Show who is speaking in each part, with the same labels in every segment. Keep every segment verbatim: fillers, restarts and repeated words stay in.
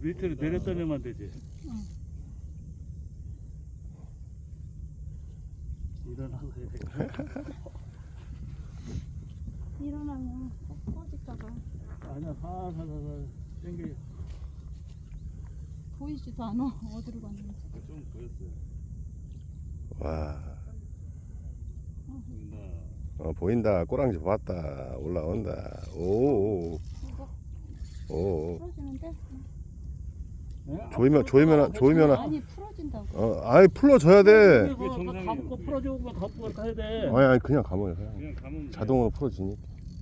Speaker 1: 밑으로 내렸다 내면 되지.
Speaker 2: 응.
Speaker 1: 일어나서 해야 돼.
Speaker 2: 일어나면 꺼질까봐.
Speaker 1: 아니야, 살살살살 당겨.
Speaker 2: 보이지도 않아. 어디로 갔는지.
Speaker 1: 좀 보였어요.
Speaker 3: 와,
Speaker 1: 보인다.
Speaker 3: 어, 보인다. 꼬랑지 봤다. 올라온다. 오,
Speaker 2: 이거
Speaker 3: 오.
Speaker 2: 풀어지는데?
Speaker 1: 네?
Speaker 3: 조이면, 조이면, 조이면,
Speaker 2: 아니 풀어진다고.
Speaker 3: 어, 아이, 풀어줘야 돼.
Speaker 1: 그거 감고 풀어주고 갖고 가야 돼.
Speaker 3: 아니, 아니, 그냥 감아요. 그냥.
Speaker 1: 그냥 감으면
Speaker 3: 자동으로 풀어지니.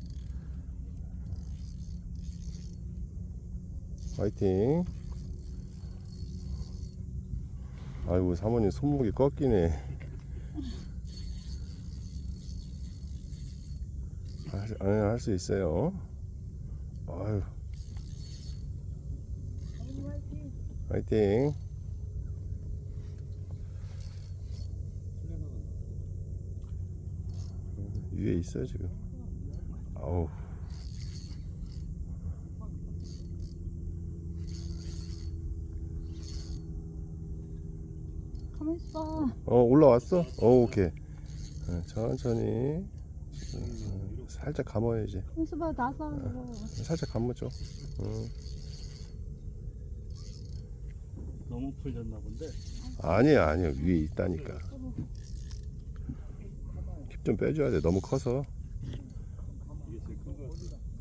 Speaker 3: 화이팅. 아이고, 사모님 손목이 꺾이네. 할 수 있어요. 아유. 화이팅. 위에 있어요 지금. 아우.
Speaker 2: 가만히 있어.
Speaker 3: 어, 올라왔어? 어, 오케이. 어, 천천히. 어, 살짝 감아야지.
Speaker 2: 가만히 있어봐. 나서 이거.
Speaker 3: 살짝 감아줘. 어.
Speaker 1: 너무 풀렸나 본데.
Speaker 3: 아니야, 아니야. 위에 있다니까. 힙 좀 빼줘야 돼. 너무 커서.
Speaker 1: 이게 제일 큰 거.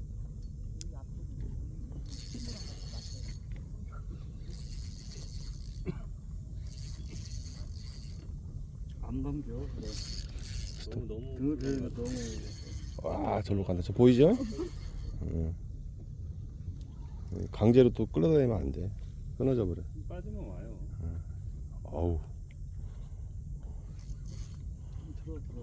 Speaker 1: 안 감겨. 그래. 너무 너무 등을 너무.
Speaker 3: 와, 절로 간다. 저 보이죠? 응. 강제로 또 끌어다니면 안 돼. 끊어져 버려.
Speaker 1: 빠지면 와요.
Speaker 3: 어우.
Speaker 1: 들어 들어.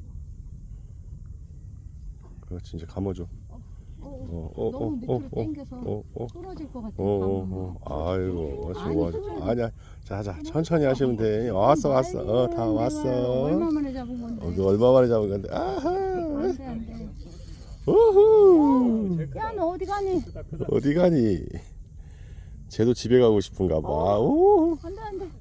Speaker 3: 그렇지, 이제 감아줘.
Speaker 2: 어,
Speaker 3: 어, 어,
Speaker 2: 너무
Speaker 3: 어,
Speaker 2: 밑으로
Speaker 3: 어,
Speaker 2: 당겨서
Speaker 3: 어, 어.
Speaker 2: 끊어질 것 같아.
Speaker 3: 어, 어, 어. 아이고, 좋아, 좋아. 아니야. 자, 자, 천천히 하시면 돼. 왔어, 왔어. 어, 다 왔어.
Speaker 2: 얼마 만에 잡은 건데.
Speaker 3: 어, 그 얼마 만에 잡은 건데. 아하.
Speaker 2: 안 돼, 안 돼.
Speaker 3: 우후.
Speaker 2: 야, 너 어디 가니?
Speaker 3: 어디 가니? 쟤도 집에 가고 싶은가 봐. 오.
Speaker 2: 안 돼, 안 돼.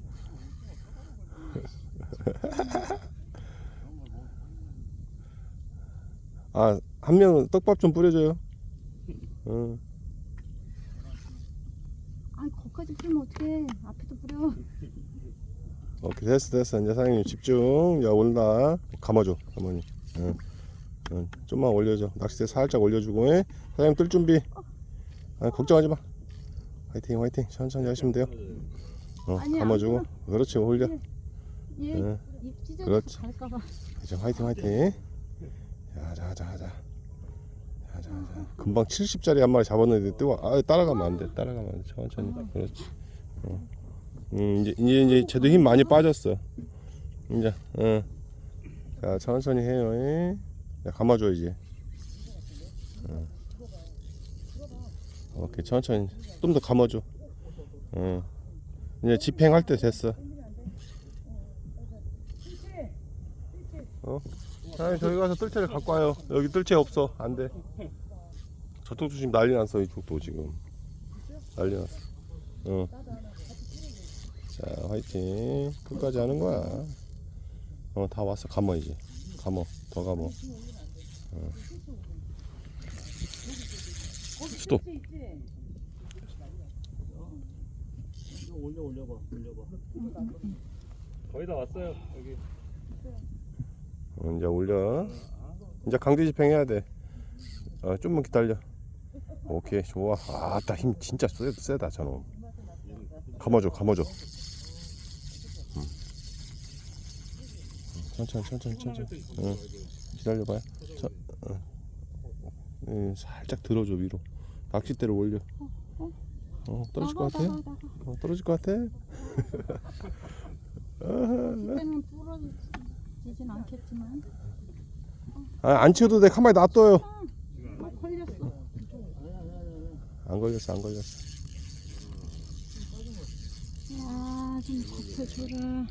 Speaker 3: 아, 한 명은 떡밥 좀 뿌려줘요. 응.
Speaker 2: 아니, 거기까지 뿌리면 어떡해. 앞에도 뿌려.
Speaker 3: 오케이, 됐어, 됐어. 이제 사장님 집중. 야, 올라. 감아줘, 어머니. 응. 응. 좀만 올려줘. 낚싯대 살짝 올려주고. 예? 사장님 뜰 준비. 아, 걱정하지 마. 화이팅, 화이팅. 천천히 하시면 돼요. 어,
Speaker 2: 아니야,
Speaker 3: 감아주고.
Speaker 2: 안
Speaker 3: 그렇지, 올려.
Speaker 2: 얘
Speaker 3: 응.
Speaker 2: 입 찢어져서
Speaker 3: 그렇지.
Speaker 2: 갈까봐.
Speaker 3: 이제 화이팅, 화이팅. 자, 자, 자, 자. 자, 자, 자. 금방 칠십 짜리 한 마리 잡았는데 뜨거. 아, 따라가면 안 돼. 따라가면 안 돼. 천천히. 그렇지. 어. 음, 이제 이제 이제 쟤도 힘 많이 빠졌어. 이제, 어. 자, 천천히 해요. 예. 자, 감아줘 이제. 어. 오케이, 천천히. 좀 더 감아줘. 어. 이제 집행할 때 됐어. 어? 아, 저기 가서 뜰채를 갖고 와요. 여기 뜰채 없어. 안 돼. 저쪽도 지금 난리 났어. 이쪽도 지금 난리 났어. 어. 자, 화이팅. 끝까지 하는 거야. 어, 다 왔어. 감어 이제. 감어. 더 감어. 어. 스톱.
Speaker 1: 올려 올려봐 올려봐. 거의 다 왔어요 여기.
Speaker 3: 어, 이제 올려. 이제 강제 집행해야 돼. 어, 좀만 기다려. 오케이, 좋아. 아따, 힘 진짜 세, 세다 저놈. 감아줘, 감아줘. 음. 천천히, 천천히, 천천히. 응. 기다려봐요. 저, 어. 음, 살짝 들어줘 위로. 낚싯대를 올려. 어, 떨어질 것 같아? 어, 떨어질 것 같아?
Speaker 2: 그때는 부러지진 않겠지만.
Speaker 3: 아, 안 치워도 돼. 가만히 놔둬요.
Speaker 2: 아, 걸렸어.
Speaker 3: 안 걸렸어, 안 걸렸어.
Speaker 2: 야, 좀 버텨줘라.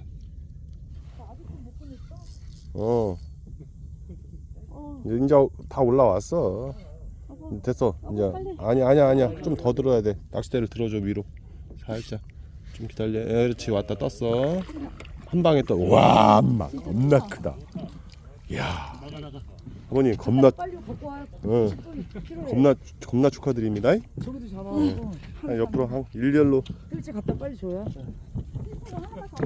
Speaker 3: 어,
Speaker 2: 어,
Speaker 3: 이제 다 올라왔어.
Speaker 2: 여보,
Speaker 3: 됐어.
Speaker 2: 여보,
Speaker 3: 이제
Speaker 2: 빨리.
Speaker 3: 아니 아니야 아니야. 좀 더 들어야 돼. 낚싯대를 들어줘 위로. 살짝 좀 기다려. 예, 그렇지. 왔다 떴어. 한 방에 또 와, 엄마 겁나 크다. 이야. 아버님 겁나
Speaker 2: 빨리 갖고 와요.
Speaker 3: 어, 겁나 겁나 축하드립니다.
Speaker 1: 저기도 잡아.
Speaker 3: 한 옆으로 한 일렬로
Speaker 2: 일찍 갖다 빨리 줘요.